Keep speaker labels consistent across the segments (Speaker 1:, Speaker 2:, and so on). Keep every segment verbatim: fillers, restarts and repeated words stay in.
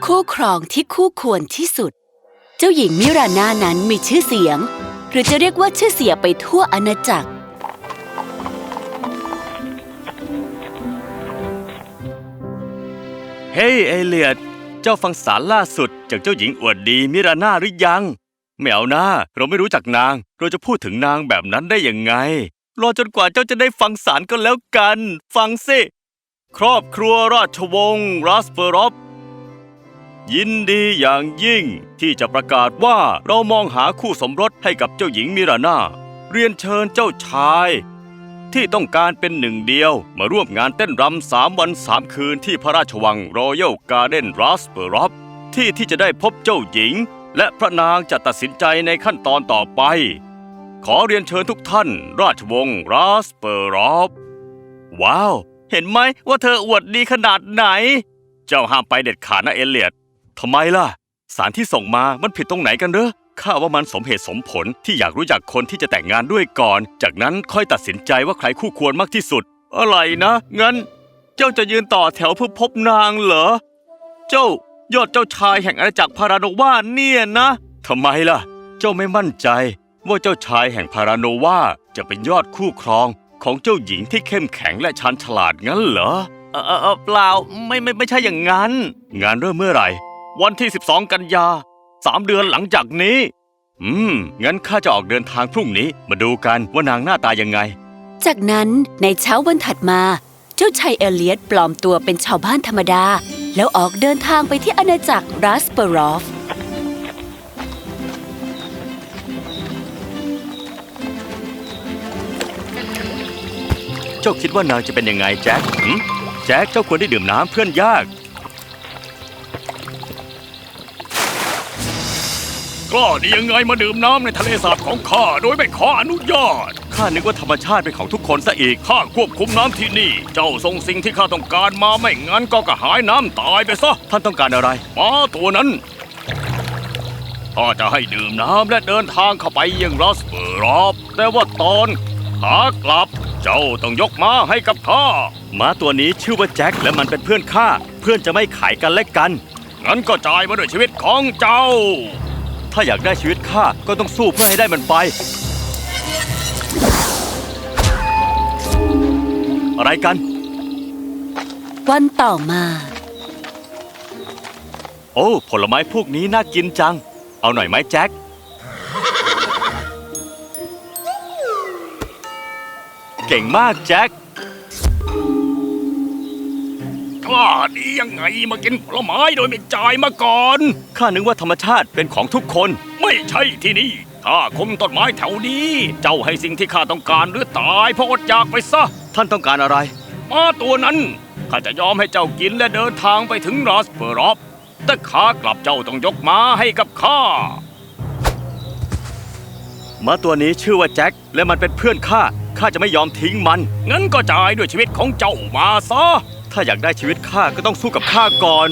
Speaker 1: คู่ครองที่คู่ควรที่สุดเจ้าหญิงมิราน่านั้นมีชื่อเสียงหรือจะเรียกว่าชื่อเสียงไปทั่วอาณาจักร
Speaker 2: เฮ้ยเอเลียดเจ้าฟังสารล่าสุดจากเจ้าหญิงอวดดีมิราน่าหรือยังไม่เอานะเราไม่รู้จักนางเราจะพูดถึงนางแบบนั้นได้ยังไงรอจนกว่าเจ้าจะได้ฟังสารก็แล้วกันฟังสิครอบครัวราชวงศ์รัสเปอรอฟยินดีอย่างยิ่งที่จะประกาศว่าเรามองหาคู่สมรสให้กับเจ้าหญิงมิราน่าเรียนเชิญเจ้าชายที่ต้องการเป็นหนึ่งเดียวมาร่วมงานเต้นรำสามวันสามคืนที่พระราชวังรอยัลการ์เด้นรัสเปอรอฟที่ที่จะได้พบเจ้าหญิงและพระนางจะตัดสินใจในขั้นตอนต่อไปขอเรียนเชิญทุกท่านราชวงศ์รัสเปอรอฟว้าวเห็นไหมว่าเธออวดดีขนาดไหนเจ้าห้ามไปเด็ดขาดนะเอเลียดทำไมล่ะสารที่ส่งมามันผิดตรงไหนกันเหรอข้าว่ามันสมเหตุสมผลที่อยากรู้จักคนที่จะแต่งงานด้วยก่อนจากนั้นค่อยตัดสินใจว่าใครคู่ควรมากที่สุดอะไรนะงั้นเจ้าจะยืนต่อแถวเพื่อพบนางเหรอเจ้ายอดเจ้าชายแห่งอาณาจักรพาราโนวาเนี่ยนะทำไมล่ะเจ้าไม่มั่นใจว่าเจ้าชายแห่งพาราโนวาจะเป็นยอดคู่ครองของเจ้าหญิงที่เข้มแข็งและชาญฉลาดงั้นเหรอเออเออเปล่าไม่ไม่ไม่ใช่อย่างนั้นงานเริ่มเมื่อไหร่วันที่สิบสองกันยาสามเดือนหลังจากนี้อืมงั้นข้าจะออกเดินทางพรุ่งนี้มาดูกันว่านางหน้าตายังไง
Speaker 1: จากนั้นในเช้าวันถัดมาเจ้าชายเอเลียดปลอมตัวเป็นชาวบ้านธรรมดาแล้วออกเดินทางไปที่อาณาจักรรัสเปอรอฟ
Speaker 2: เจ้าคิดว่านางจะเป็นยังไงแจ็คหืมแจ็คเจ้าควรได้ดื่มน้ำเพื่อนยากก็ดียังไงมาดื่มน้ำในทะเลสาบของข้าโดยไม่ขออนุญาตข้านึกว่าธรรมชาติเป็นของทุกคนซะอีกข้าควบคุมน้ำที่นี่เจ้าส่งสิ่งที่ข้าต้องการมาไม่งั้นก็กระหายน้ำตายไปซะท่านต้องการอะไรม้าตัวนั้นข้าจะให้ดื่มน้ำและเดินทางเข้าไปยังรัสเปอรอฟแต่ว่าตอนขากลับเจ้าต้องยกม้าให้กับข้าม้าตัวนี้ชื่อว่าแจ็คและมันเป็นเพื่อนข้าเพื่อนจะไม่ขายกันและกันงั้นก็จ่ายมาด้วยชีวิตของเจ้าถ้าอยากได้ชีวิตข้าก็ต้องสู้เพื่อให้ได้มันไปอะไรกัน
Speaker 1: วันต่อมา
Speaker 2: โอ้ผลไม้พวกนี้น่ากินจังเอาหน่อยไหมแจ็คเก่งมากแจ็คกล้าดียังไงมากินผลไม้โดยไม่จ่ายมาก่อนข้านึกว่าธรรมชาติเป็นของทุกคนไม่ใช่ที่นี่ข้าคุมต้นไม้แถวนี้เจ้าให้สิ่งที่ข้าต้องการหรือตายเพราะอดอยากไปซะท่านต้องการอะไรม้าตัวนั้นข้าจะยอมให้เจ้ากินและเดินทางไปถึงรัสเปอรอฟแต่ขากลับเจ้าต้องยกม้าให้กับข้าม้าตัวนี้ชื่อว่าแจ็คและมันเป็นเพื่อนข้าข้าจะไม่ยอมทิ้งมันงั้นก็จ่ายด้วยชีวิตของเจ้ามาซะถ้าอยากได้ชีวิตข้าก็ต้องสู้กับข้าก่อน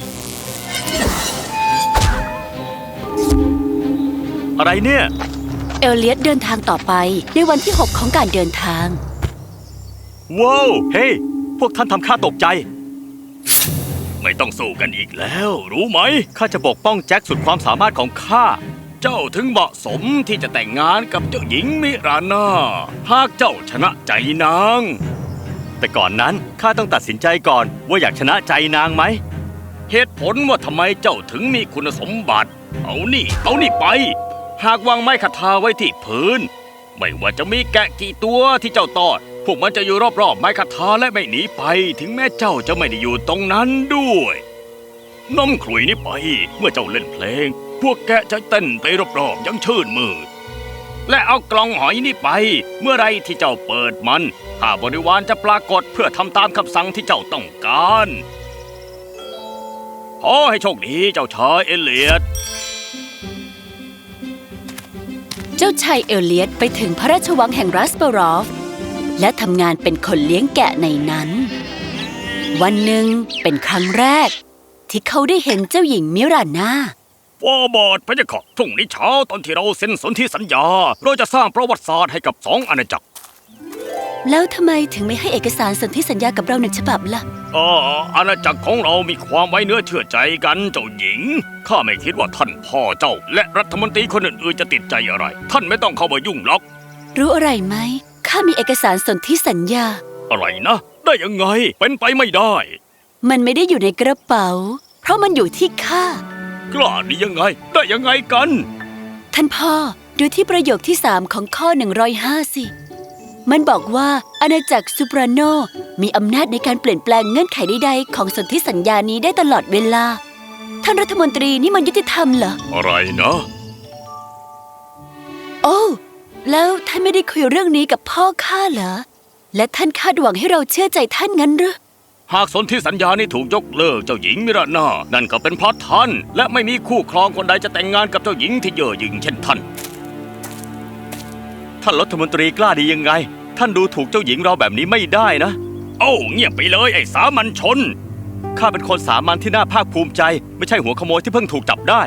Speaker 2: อะไรเนี่ย
Speaker 1: เอเลียดเดินทางต่อไปในวันที่หกของการเดินทาง
Speaker 2: ว้าวเฮ้ hey, พวกท่านทำข้าตกใจไม่ต้องสู้กันอีกแล้วรู้ไหมข้าจะปกป้องแจ็คสุดความสามารถของข้าเจ้าถึงเหมาะสมที่จะแต่งงานกับเจ้าหญิงมิราน่าหากเจ้าชนะใจนางแต่ก่อนนั้นข้าต้องตัดสินใจก่อนว่าอยากชนะใจนางไหมเหตุผลว่าทำไมเจ้าถึงมีคุณสมบัติเอานี่เอานี่ไปหากวางไม้คทาไว้ที่พื้นไม่ว่าจะมีแกะกี่ตัวที่เจ้าตอดพวกมันจะอยู่รอบๆไม้คทาและไม่หนีไปถึงแม้เจ้าจะไม่ได้อยู่ตรงนั้นด้วยน้ำขลุ่ยนี้ไปเมื่อเจ้าเล่นเพลงพวกแกะจะเต้นไปรอบๆยังชื่นมืดและเอากล่องหอยนี้ไปเมื่อไรที่เจ้าเปิดมันข้าบริวารจะปรากฏเพื่อทำตามคำสั่งที่เจ้าต้องการขอให้โชคดีเจ้าชายเอเลียด
Speaker 1: เจ้าชายเอเลียดไปถึงพระราชวังแห่งรัสเปอรอฟและทำงานเป็นคนเลี้ยงแกะในนั้นวันหนึ่งเป็นครั้งแรกที่เขาได้เห็นเจ้าหญิงมิราน่า
Speaker 2: ฟาบาทพระเจ้าค่ะพรุ่งนี้เช้าตอนที่เราเซ็นสนธิสัญญาเราจะสร้างประวัติศาสตร์ให้กับสองอาณาจักร
Speaker 1: แล้วทำไมถึงไม่ให้เอกสารสนธิสัญญากับเราหนึ่งฉบับล่ะ
Speaker 2: อ๋ออาณาจักรของเรามีความไว้เนื้อเชื่อใจกันเจ้าหญิงข้าไม่คิดว่าท่านพ่อเจ้าและรัฐมนตรีคนอื่นๆจะติดใจอะไรท่านไม่ต้องเข้ามายุ่งหรอก
Speaker 1: รู้อะไรไหมข้ามีเอกสารสนธิสัญญา
Speaker 2: อะไรนะได้ยังไงเป็นไปไม่ได้
Speaker 1: มันไม่ได้อยู่ในกระเป๋าเพราะมันอยู่ที่ข้าก
Speaker 2: ล้าดียังไงได้ยังไงกัน
Speaker 1: ท่านพ่อดูที่ประโยคที่สามของข้อหนึ่งร้อยห้าสิมันบอกว่าอาณาจักรซูปราโนมีอำนาจในการเปลี่ยนแปลงเงื่อนไขใดๆของสนธิสัญญานี้ได้ตลอดเวลาท่านรัฐมนตรีนี่มันยุติธรรมเหรอ
Speaker 2: อะไรนะ
Speaker 1: โอ้แล้วท่านไม่ได้คุยเรื่องนี้กับพ่อข้าเหรอและท่านคาดหวังให้เราเชื่อใจท่านงั้นหรือ
Speaker 2: หากสนธิสัญญานี้ถูกยกเลิกเจ้าหญิงมิราน่านั่นก็เป็นเพราะท่านและไม่มีคู่ครองคนใดจะแต่งงานกับเจ้าหญิงที่เย่อหยิ่งเช่นท่านท่านรัฐมนตรีกล้าดียังไงท่านดูถูกเจ้าหญิงเราแบบนี้ไม่ได้นะโอ้เงียบไปเลยไอ้สามัญชนข้าเป็นคนสามัญที่น่าภาคภูมิใจไม่ใช่หัวขโมยที่เพิ่งถูกจับได้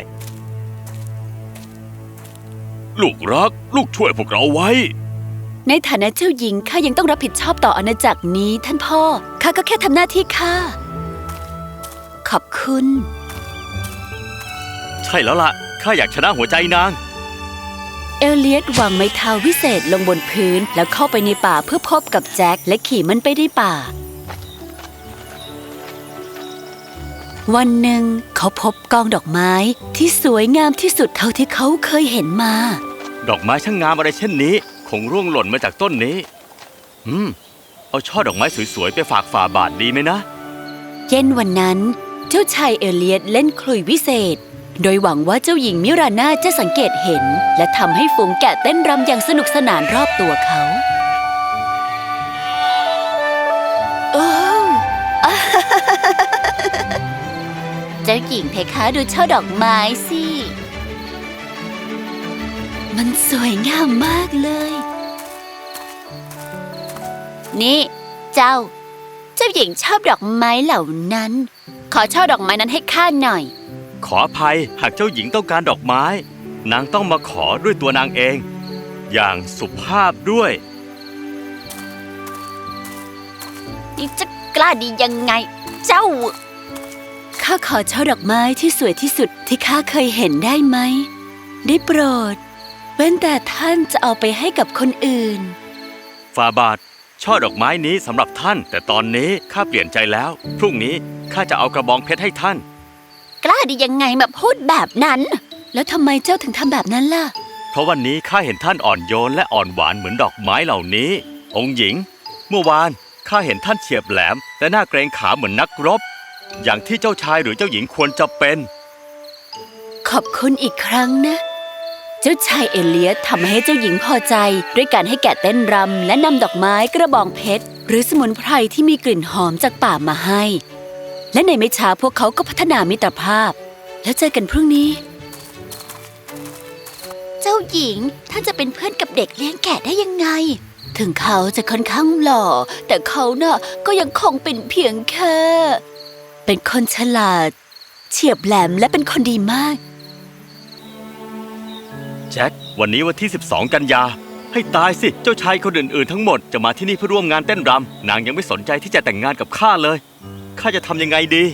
Speaker 2: ลูกรักลูกช่วยพวกเราไว้
Speaker 1: ในฐานะเจ้าหญิงข้ายังต้องรับผิดชอบต่ออาณาจักรนี้ท่านพ่อข้าก็แค่ทำหน้าที่ข้าขอบคุณ
Speaker 2: ใช่แล้วล่ะข้าอยากชนะหัวใจนาง
Speaker 1: เอลเลียตวางไม้เท้าวิเศษลงบนพื้นแล้วเข้าไปในป่าเพื่อพบกับแจ็คและขี่มันไปในป่าวันหนึ่งเขาพบกองดอกไม้ที่สวยงามที่สุดเท่าที่เขาเคยเห็นมา
Speaker 2: ดอกไม้ช่างงามอะไรเช่นนี้คงร่วงหล่นมาจากต้นนี้อืมเอาช่อดอกไม้สวยๆไปฝากฝ่าบาทดีไหมนะ
Speaker 1: เย็นวันนั้นเจ้าชายเอลเลียตเล่นขลุ่ยวิเศษโดยหวังว่าเจ้าหญิงมิราน่าจะสังเกตเห็นและทำให้ฝูงแกะเต้นรำอย่างสนุกสนานรอบตัวเขาโอ้เจ้าหญิงเพคะดูช่อดอกไม้สิมันสวยงามมากเลยนี่เจ้าเจ้าหญิงชอบดอกไม้เหล่านั้นขอช่อดอกไม้นั้นให้ข้าหน่อย
Speaker 2: ขออภัยหากเจ้าหญิงต้องการดอกไม้นางต้องมาขอด้วยตัวนางเองอย่างสุภาพด้วย
Speaker 1: นี่จะกล้าดียังไงเจ้าข้าขอช่อดอกไม้ที่สวยที่สุดที่ข้าเคยเห็นได้ไหมได้โปรดเว้นแต่ท่านจะเอาไปให้กับคนอื่น
Speaker 2: ฝ่าบาทช่อดอกไม้นี้สำหรับท่านแต่ตอนนี้ข้าเปลี่ยนใจแล้วพรุ่งนี้ข้าจะเอากระบองเพชรให้ท่าน
Speaker 1: กล้าดียังไงมาพูดแบบนั้นแล้วทำไมเจ้าถึงทำแบบนั้นล่ะ
Speaker 2: เพราะวันนี้ข้าเห็นท่านอ่อนโยนและอ่อนหวานเหมือนดอกไม้เหล่านี้องค์หญิงเมื่อวานข้าเห็นท่านเฉียบแหลมและน่าเกรงขามเหมือนนักรบอย่างที่เจ้าชายหรือเจ้าหญิงควรจะเป็น
Speaker 1: ขอบคุณอีกครั้งนะเจ้าชายเอเลียสทำให้เจ้าหญิงพอใจด้วยการให้แกะเต้นรำและนำดอกไม้กระบองเพชรหรือสมุนไพรที่มีกลิ่นหอมจากป่ามาให้และในไม่ช้าพวกเขาก็พัฒนามิตรภาพแล้วเจอกันพรุ่งนี้เจ้าหญิงท่านจะเป็นเพื่อนกับเด็กเลี้ยงแกะได้ยังไงถึงเขาจะค่อนข้างหล่อแต่เขาน่ะก็ยังคงเป็นเพียงแค่เป็นคนฉลาดเฉียบแหลมและเป็นคนดีมาก
Speaker 2: แจ็ควันนี้วันที่สิบสองกันยาให้ตายสิเจ้าชายคนอื่นๆทั้งหมดจะมาที่นี่เพื่อร่วมงานเต้นรำนางยังไม่สนใจที่จะแต่งงานกับข้าเลยข้าจะทำยังไงดี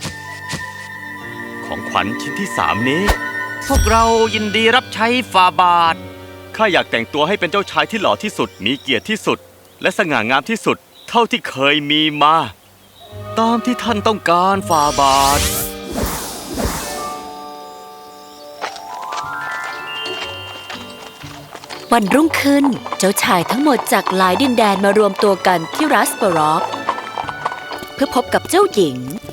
Speaker 2: ของขวัญชิ้นที่สามนี้พวกเรายินดีรับใช้ฝ่าบาทข้าอยากแต่งตัวให้เป็นเจ้าชายที่หล่อที่สุดมีเกียรติที่สุดและสง่างามที่สุดเท่าที่เคยมีมาตามที่ท่านต้องการฝ่าบาท
Speaker 1: วันรุ่งขึ้นเจ้าชายทั้งหมดจากหลายดินแดนมารวมตัวกันที่รัสเปอรอฟเพื่อพบกับเจ้าหญิง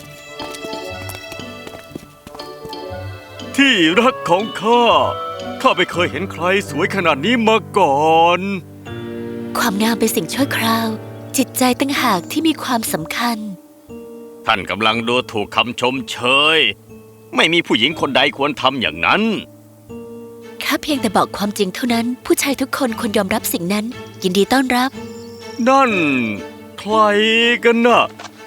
Speaker 2: ที่รักของข้าข้าไม่เคยเห็นใครสวยขนาดนี้มาก่อน
Speaker 1: ความงามเป็นสิ่งชั่วคราวจิตใจต่างหากที่มีความสำคัญ
Speaker 2: ท่านกำลังดูถูกคำชมเชยไม่มีผู้หญิงคนใดควรทำอย่างนั้น
Speaker 1: ข้าเพียงแต่บอกความจริงเท่านั้นผู้ชายทุกคนควรยอมรับสิ่งนั้นยินดีต้อนรับ
Speaker 2: นั่นใครกันน่ะ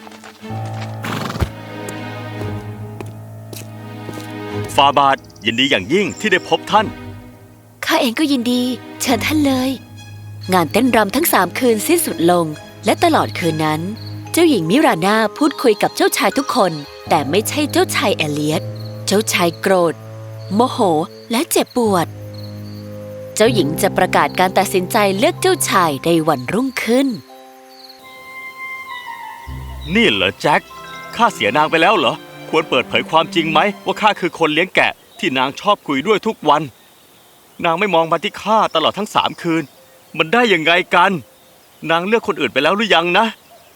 Speaker 2: ฝ่าบาทยินดีอย่างยิ่งที่ได้พบท่าน
Speaker 1: ข้าเองก็ยินดีเชิญท่านเลยงานเต้นรำทั้งสามคืนสิ้นสุดลงและตลอดคืนนั้นเจ้าหญิงมิราน่าพูดคุยกับเจ้าชายทุกคนแต่ไม่ใช่เจ้าชายเอเลียตเจ้าชายโกรธโมโหและเจ็บปวดเจ้าหญิงจะประกาศการตัดสินใจเลือกเจ้าชายในวันรุ่งขึ้น
Speaker 2: นี่เหรอแจ็คข้าเสียนางไปแล้วเหรอควรเปิดเผยความจริงไหมว่าข้าคือคนเลี้ยงแกะที่นางชอบคุยด้วยทุกวันนางไม่มองมาที่ข้าตลอดทั้งสามคืนมันได้ยังไงกันนางเลือกคนอื่นไปแล้วหรือยังนะ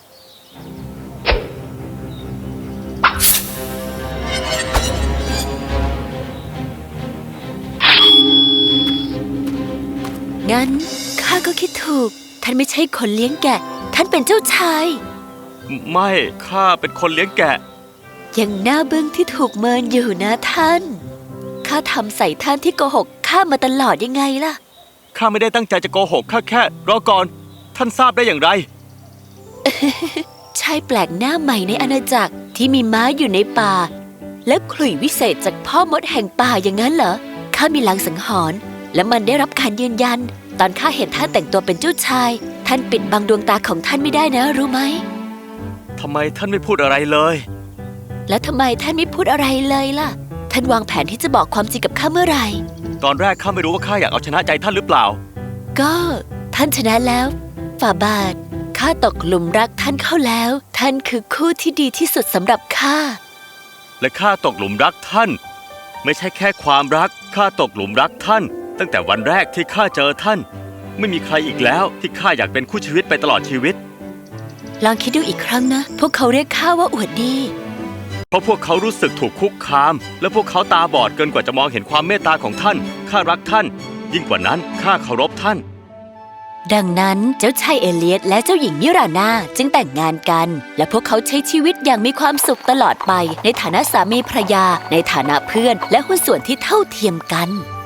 Speaker 1: งั้นข้าก็คิดถูกท่านไม่ใช่คนเลี้ยงแกะท่านเป็นเจ้าชาย
Speaker 2: ไม่ข้าเป็นคนเลี้ยงแกะ
Speaker 1: ยังหน้าบึ้งที่ถูกเมินอยู่นะท่านข้าทำใส่ท่านที่โกหกข้ามาตลอดยังไงล่ะ
Speaker 2: ข้าไม่ได้ตั้งใจจะโกหกข้าแค่รอก่อนท่านทราบได้อย่างไร
Speaker 1: ชายแปลกหน้าใหม่ในอาณาจักรที่มีม้าอยู่ในป่าและขลุ่ยวิเศษจากพ่อมดแห่งป่าอย่างนั้นเหรอข้ามีลางสังหรณ์และมันได้รับการยืนยันตอนข้าเห็นท่านแต่งตัวเป็นเจ้าชายท่านปิดบังดวงตาของท่านไม่ได้นะรู้ไหม
Speaker 2: ทำไมท่านไม่พูดอะไรเลย
Speaker 1: แล้วทำไมท่านไม่พูดอะไรเลยล่ะท่านวางแผนที่จะบอกความจริงกับข้าเมื่อไหร่
Speaker 2: ตอนแรกข้าไม่รู้ว่าข้าอยากเอาชนะใจท่านหรือเปล่า
Speaker 1: ก็ท่านชนะแล้วฝ่าบาทข้าตกหลุมรักท่านเข้าแล้วท่านคือคู่ที่ดีที่สุดสำหรับข้า
Speaker 2: และข้าตกหลุมรักท่านไม่ใช่แค่ความรักข้าตกหลุมรักท่านตั้งแต่วันแรกที่ข้าเจอท่านไม่มีใครอีกแล้วที่ข้าอยากเป็นคู่ชีวิตไปตลอดชีวิต
Speaker 1: ลองคิดดูอีกครั้งนะพวกเขาเรียกข้าว่าอวดดี
Speaker 2: เพราะพวกเขารู้สึกถูกคุกคามและพวกเขาตาบอดเกินกว่าจะมองเห็นความเมตตาของท่านข้ารักท่านยิ่งกว่านั้นข้าเคารพท่าน
Speaker 1: ดังนั้นเจ้าชายเอเลียตและเจ้าหญิงมิราน่าจึงแต่งงานกันและพวกเขาใช้ชีวิตอย่างมีความสุขตลอดไปในฐานะสามีภรรยาในฐานะเพื่อนและหุ้นส่วนที่เท่าเทียมกัน